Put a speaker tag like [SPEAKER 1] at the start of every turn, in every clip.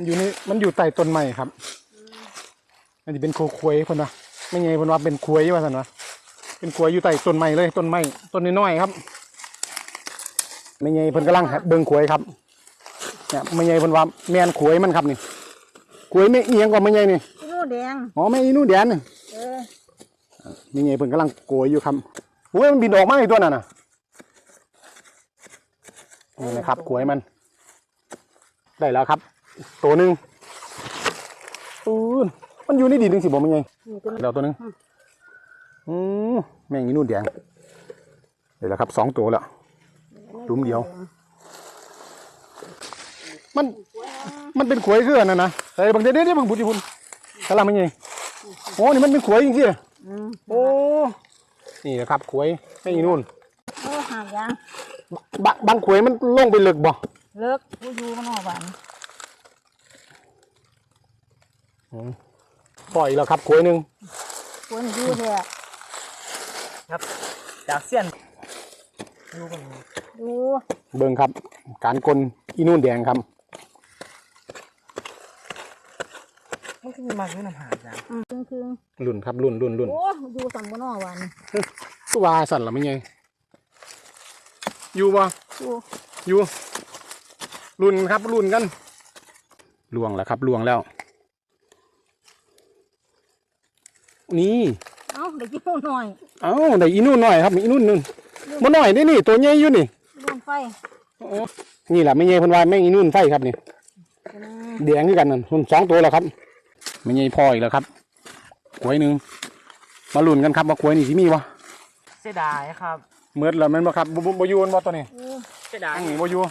[SPEAKER 1] มันอยู่ใต้ต้นไม้ครับมันจะเป็นควยคนวะไม่ไงคนว่าเป็นควยว่าสันวะเป็นควยอยู่ใต้ต้นไม้เลยต้นไม้ต้นน้อยๆครับไม่ไงเพิ่นกำลังเบิ่งควยครับเนี่ยไม่ไงเพิ่นว่าแมนควยมันครับนี่ควยไม่เอียงกว่าไม่ไงนี่
[SPEAKER 2] อีนู่นแดง
[SPEAKER 1] อ๋อไม่อีนู่นแดงนี่ไม่ไงเพิ่นกำลังโกยอยู่ครับโอ้ยมันบินออกมาอีกตัวน่ะนะนี่นะครับควยมันได้แล้วครับตัวหนึ่งมันอยู่ในดินนึงสิบอกมันไงเดี๋ยวตัวนึงแม่งอีนู่นแดงเดี๋ยวแล้วครับ2 ตัวแล้วดุมเดียวมันเป็นขวยคือนั่นนะใส่บางเดี๋ยวบางบุตรพุ่นกะลามันไงโอ้นี่มันเป็นขวยจริงๆโอ้นี่นะครับขวยแม่งอีนู่น
[SPEAKER 2] หางยาง
[SPEAKER 1] บางขวยมันลงไปลึกบ่
[SPEAKER 2] เลิกผู้อยู่มันหอหวาน
[SPEAKER 1] ปล่อยแล้วครับขวยหนึ่ง
[SPEAKER 2] ขวยอยู่แท้
[SPEAKER 3] ครับจากเสี้ยน
[SPEAKER 2] ดู
[SPEAKER 1] เบิ่งครับการกลอีนู่นแดงครับ
[SPEAKER 3] มันคือมากเลยน้ำหาจ้ะ
[SPEAKER 2] คือ
[SPEAKER 1] รุ่นครับรุ่น
[SPEAKER 2] โอ้อยู่สั่งบนหอหวาน
[SPEAKER 1] ตัวสั่นหรือไม่ไงอยู่บ่อยู่รุ่นครับรุ่นกันล่วงแล้วครับล่วงแล้วนี่
[SPEAKER 2] ได้อีนู่นหน่อย
[SPEAKER 1] ได้อีนู่นหน่อยครับอีนู่นนึงมันหน่อยนี่ตัวใหญ่อยู่นี่
[SPEAKER 2] ดวงไฟ
[SPEAKER 1] นี่แหละไม่ใหญ่พันวายแม่งอีนู่นไฟครับนี่แดงด้วยกันนั่นคน2 ตัวแล้วครับไม่ใหญ่พออีกแล้วครับขวยหนึ่งมาลุ้นกันครับว่าขวยนี่สิมีวะ
[SPEAKER 3] เสียดายครับ
[SPEAKER 1] เมื่อแล้วมันบ่ครับบ่ยูนบ่ตัวนี้
[SPEAKER 3] เสียดาย
[SPEAKER 1] นี่บ่ยู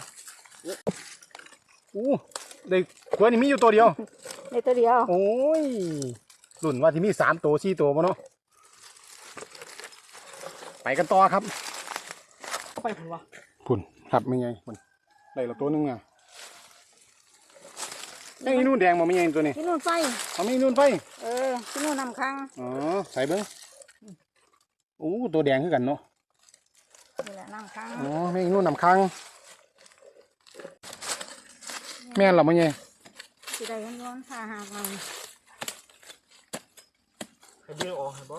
[SPEAKER 1] ได้ขวยนี่มีอยู่ตัวเดียว
[SPEAKER 2] ในตัวเดียว
[SPEAKER 1] โอ้ยลุ้นว่าที่มี3 ตัว4 ตัวบ่เนาะไปกันต่อครับ
[SPEAKER 3] ไปพุ่นวะ
[SPEAKER 1] พุ่นครับไม่ไงพุ่นได้ละตัวนึงอ่ะแม่งอีนู่นแดงบ่ไม่ไงตัวนี้
[SPEAKER 2] อีนู่นไฟ
[SPEAKER 1] ไม่อีนู่นไฟ
[SPEAKER 2] อีนู่นนำค้าง
[SPEAKER 1] ใส่เบิ้งตัวแดงคือกันเนาะ
[SPEAKER 2] นี่แหละนำค้าง
[SPEAKER 1] แม่งอีนู่นนำค้างแม่นหรอไม่ไง
[SPEAKER 2] สิได้ย้อนผ่าหากมัน
[SPEAKER 3] ให้เบี้ยออกให้บ่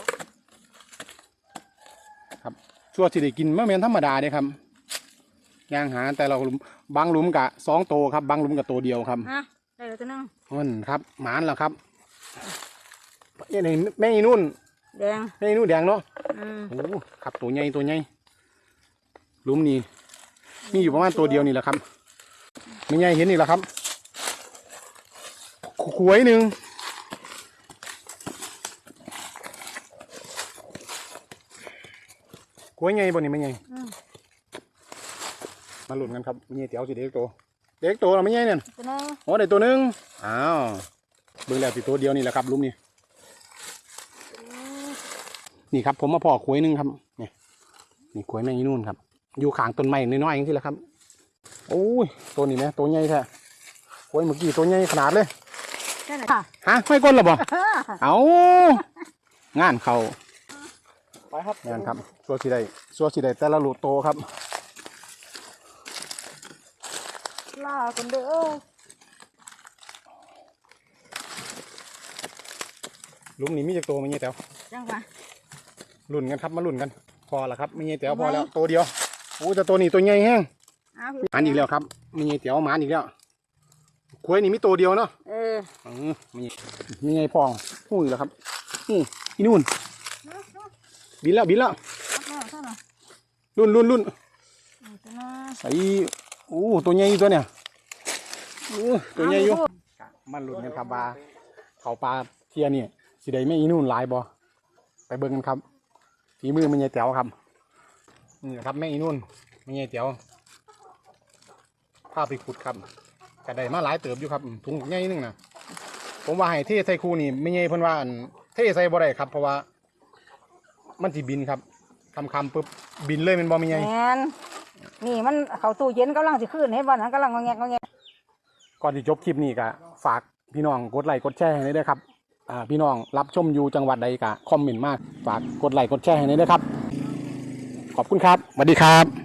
[SPEAKER 1] ครับชั่วที่ได้กินมะเม็นธรรมดาเด้ครับย่างหาแต่เราบางหลุมกะ2 ตัวครับบางหลุมกะตัวเดียวครับ
[SPEAKER 2] ได้แล้วตัวนึง
[SPEAKER 1] ครับหมานแล้วครับนี่แม่อีนู่น
[SPEAKER 2] แดง
[SPEAKER 1] แม่อีนู่นแดงเนาะครับตัวใหญ่หลุมนี้มีอยู่ประมาณตัวเดียวนี่แหละครับไม่ใหญ่เห็นนี่แหละครับขวยหนึ่งขวยใหญ่บนนี้ไม่ใหญ่มาหลุดกันครับไม่ใหญ่เตี๋ยวสิเด็กโตเราไม่ใหญ่เนี่ยโอ้ได้ตัวนึงเบิ่งแล้วสิตัวเดียวนี่แหละครับลุมนี่ครับผมมาพอขวยหนึ่งครับนี่ขวยแม่งนู่นครับอยู่ข้างต้นไม้น้อยๆอย่างที่แหละครับโอ้ยตัวนี้นะตัวใหญ่แท้ขวยเมื่อกี้ตัวใหญ่ขนาดเลยฮะไม่ก้นหรอบ่เอางานเขา
[SPEAKER 3] ไปครับ
[SPEAKER 1] งานครับสัวสีได้แต่ละลูกโตครับ
[SPEAKER 2] ลาคนเด้อ
[SPEAKER 1] ลุมนี้มีจากตัวไม่เงี้ยแถว
[SPEAKER 2] จังหวะ
[SPEAKER 1] ลุ่นกันครับมาลุ่นกันพอละครับไม่เงี้ยแถวพอแล้วตัวเดียวแต่ตัวนี้ตัวใหญ่แห้งหมานอีกแล้วครับไม่เงี้ยแถวหมานอีกแล้วขวยนี่มีตัวเดียวเนาะมีไงพองหูอีกแล้วครับอีนู่นบินแล้วรุ่นใส่ตัวใหญ่ตัวเนี่ยตัวใหญ่อยู่มันหลุดกันครับบาเขาปลาเทียนี่สิได้ไม่อีนู่นหลายบ่ไปเบิ่งกันครับฝีมือมันใหญ่แต๋วครับนี่ครับแม่อีนู่นมันใหญ่แต๋วพาไปขุดครับกระไดมาหลายเติบอยู่ครับถุงใหญ่นึงนะผมว่าให้เทใส่คูนี่ไม่ใหญ่เพิ่นว่าเทใส่บ่ได้ครับเพราะว่ามันสิบินครับคำปุ๊บบินเลยมันบ่มีไง
[SPEAKER 2] นี่มันเขาตู้เย็นกำลังสิขึ้นให้บ้านนั้นกำลังงอแง
[SPEAKER 1] ก่อนที่จบคลิปนี้ก็ฝากพี่น้องกดไลค์กดแชร์ให้ด้วยครับพี่น้องรับชมอยู่จังหวัดใดก็คอมเมนต์มากฝากกดไลค์กดแชร์ให้ด้วยครับขอบคุณครับสวัสดีครับ